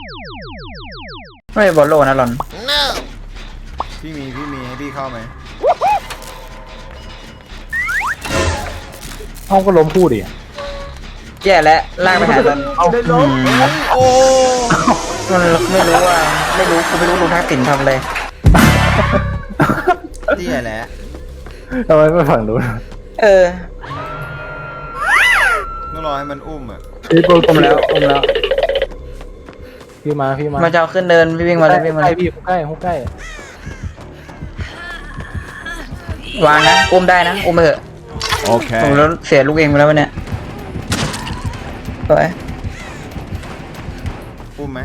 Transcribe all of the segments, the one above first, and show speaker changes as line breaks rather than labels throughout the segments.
ไม่บอลโลนะหลอน
พี่มีให้พี่เข้าไหม
ห้องก็ล้มพูดดิ
แย่แล้วลากไปหาตอน
ได้ล้ม
โอ้
มันไม่รู้ว่ากูไม่รู้ลุงทักษิณทำอะไร
เตี้ยแหละ
ทำไมไม่ฝั่งนู้น
เออ
ต้องรอให้มันอุ้มอ่ะ
พี่โปร
อมแล้ว
พี่มา
มาจะเอาขึ้นเดินพี่วิ่งมาเลยวิ่งมา
ใก
เล
ล้
ย
พี่ใกล้
วางนะอุ้มได้นะอุ้มไปเถอะ
โอเค
ผมแล้วเสียลูกเองไปแล้ววันเนี้ยสวย
อุ้มไหม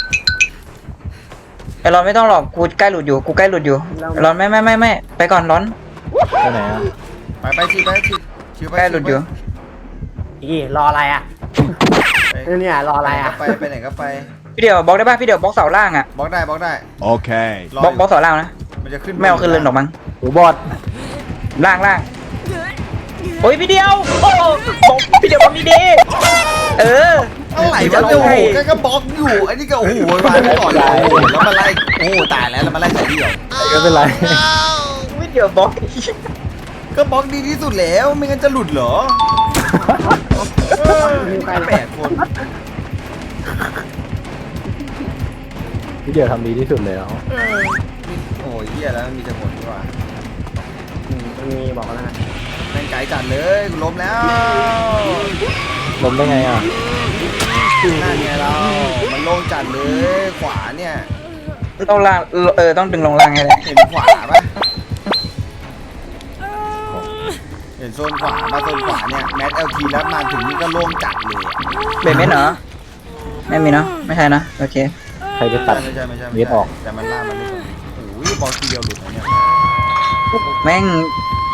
ไอ้ร้อนไม่ต้องหรอกกูใกล้หลุดอยู่ไอ้ร้อนไม่ไปก่อนร้อน
ไปไหนอ่ะ
ไปชิวไปชิวไป
ใกล้หลุดอยู่
อีรออะไรอ่ะเนี่ยรออะไรอ่ะ
ไปไหนก็ไป
พี่เดี๋ยวบล็อกได้ป่ะพี่เดี๋ยวบล็อกเสาล่างอ่ะ
บล็อกได้
โอเค
รอบ
ล็อกเสาล่างนะ
มันจะขึ้น
ไม่เอาขึ้นเลยหรอกมั้ง
หูบอด
ล่างโอ้ยพี่เดียวโอ้บอกพี่เดียวบอกดีๆเออ
อะไรวะโอ้โหก็บล็อกอยู่ไอ้นี่ก็โอ้โหวางไว้ก่อนเลยโอ้โหแล้วมาไล่โอ้โหตายแล้วมาไล่ใส่เดี่ยว
ก็เป็นไร
พี่เดียวบล็อก
ก็บล็อกดีที่สุดแล้วไม่งั้นจะหลุดเหรอ8 คน
พี่เดียวทำดีที่สุดแล้ว
โอ้ยเหี้ยแล้วมันมีแต่ผลดีกว่า
มีบอกแล้วนะ
แม่งไกลจัดเลยกูล้มแล้ว
ล้มได้ไงอ่ะ
นั่นไงเรามันโล่งจัดเลยขวาเนี่ย
ต้องล่างต้องดึงลงล่างให้ได้
เห็นขวาปะเห็นโซนขวามาโซนขวาเนี่ยแมทเอลทีแล้วมาถึงนี่ก็โล่งจัดเลยอะ
เบรเมนเหรอไม่มีเนาะไม่ใช่นะโอเค
ใครไปตัด
ไม่ใช่
เม็ดออก
แต่มันล่ากมันไม่ตรงโอ้ยบอลทีเดียวหลุดนะเนี่ย
แม่ง